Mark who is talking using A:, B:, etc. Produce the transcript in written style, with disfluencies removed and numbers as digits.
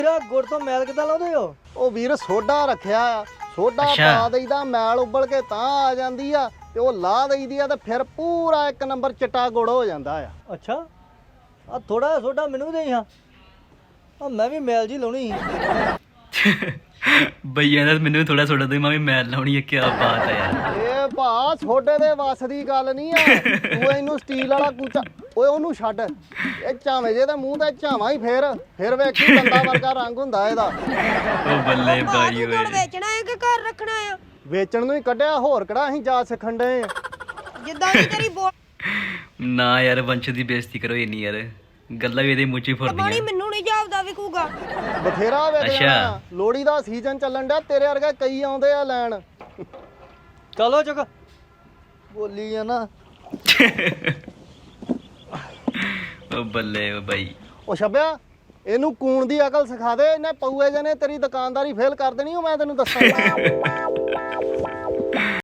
A: ਤੇਰਾ ਗੁੜ ਤੋਂ ਮੈਲ ਕਿੱਦਾਂ ਲਾਉਂਦੇ ਹੋ?
B: ਉਹ ਵੀਰ ਸੋਡਾ ਰੱਖਿਆ ਆ, ਸੋਡਾ ਪਾ ਦਈਦਾ, ਮੈਲ ਉਬਲ ਕੇ ਤਾਂ ਆ ਜਾਂਦੀ ਆ ਤੇ ਉਹ ਲਾ ਦਈਦੀ ਆ ਤੇ ਫਿਰ ਪੂਰਾ ਇੱਕ ਨੰਬਰ ਚਿੱਟਾ ਗੁੜ ਹੋ ਜਾਂਦਾ ਆ।
A: ਅੱਛਾ, ਆ ਥੋੜਾ ਜਿਹਾ ਸੋਡਾ ਮੈਨੂੰ ਦੇ ਹਾਂ, ਆ ਮੈਂ ਵੀ ਮੈਲ ਜੀ ਲਾਉਣੀ ਸੀ।
C: ਬਈਆਂ ਦਾ ਮੈਨੂੰ ਥੋੜਾ ਸੋਡਾ ਦੇ, ਮੈਂ ਵੀ ਮੈਲ ਲਾਉਣੀ ਹੈ। ਕੀ ਬਾਤ ਹੈ ਯਾਰ,
B: ਇਹ ਭਾ ਸੋਡੇ ਦੇ ਵੱਸ ਦੀ ਗੱਲ ਨਹੀਂ ਆ। ਤੂੰ ਇਹਨੂੰ ਸਟੀਲ ਵਾਲਾ ਕੂਚਾ, ਓਏ ਉਹਨੂੰ ਛੱਡ, ਇਹ ਝਾਵੇਂ ਜੇ ਦਾ ਮੂੰਹ ਤੇ ਝਾਵਾਂ ਹੀ ਫਿਰ ਵੇਖੀ ਬੰਦਾ ਵਰਗਾ ਰੰਗ ਹੁੰਦਾ ਇਹਦਾ।
C: ਉਹ ਬੱਲੇ ਬਾਈ ਓਏ,
D: ਵੇਚਣਾ ਹੈ ਕਿ ਘਰ ਰੱਖਣਾ ਆ?
B: ਵੇਚਣ ਨੂੰ ਹੀ ਕੱਢਿਆ, ਹੋਰ ਕਿਹੜਾ ਅਸੀਂ ਜਾ ਸਿੱਖਣ ਡਏ ਆ।
D: ਜਿੱਦਾਂ ਦੀ ਤੇਰੀ ਬੋਲ
C: ਨਾ ਯਾਰ ਵੰਸ਼ ਦੀ ਬੇਇੱਜ਼ਤੀ ਕਰੋ ਇੰਨੀ ਯਾਰ, ਗੱਲਾਂ ਵੀ ਇਹਦੇ ਮੂੰਹ 'ਚ ਹੀ
D: ਪਾਣੀ
C: ਫੁਰਦੀਆਂ।
D: ਮੈਨੂੰ ਨਹੀਂ ਜਾਪਦਾ ਵਿਕੂਗਾ।
B: ਬਥੇਰਾ ਵੇਚ
C: ਅੱਛਾ।
B: ਜਾਣਾ, ਲੋਹੜੀ ਦਾ ਸੀਜ਼ਨ ਚੱਲਣ ਡਿਆ, ਤੇਰੇ ਵਰਗੇ ਕਈ ਆਉਂਦੇ ਆ ਲੈਣ।
A: ਚਲੋ ਚੁੱਕ, ਬੋਲੀ ਆ ਨਾ।
C: ਉਹ ਬੱਲੇ ਓ ਬਾਈ,
B: ਉਹ ਛੱਬਿਆ, ਇਹਨੂੰ ਕੂਣ ਦੀ ਅਕਲ ਸਿਖਾ ਦੇ, ਇਹਨੇ ਪਊਏ ਜਨੇ ਤੇਰੀ ਦੁਕਾਨਦਾਰੀ ਫੇਲ ਕਰ ਦੇਣੀ, ਉਹ ਮੈਂ ਤੈਨੂੰ ਦੱਸਾਂ।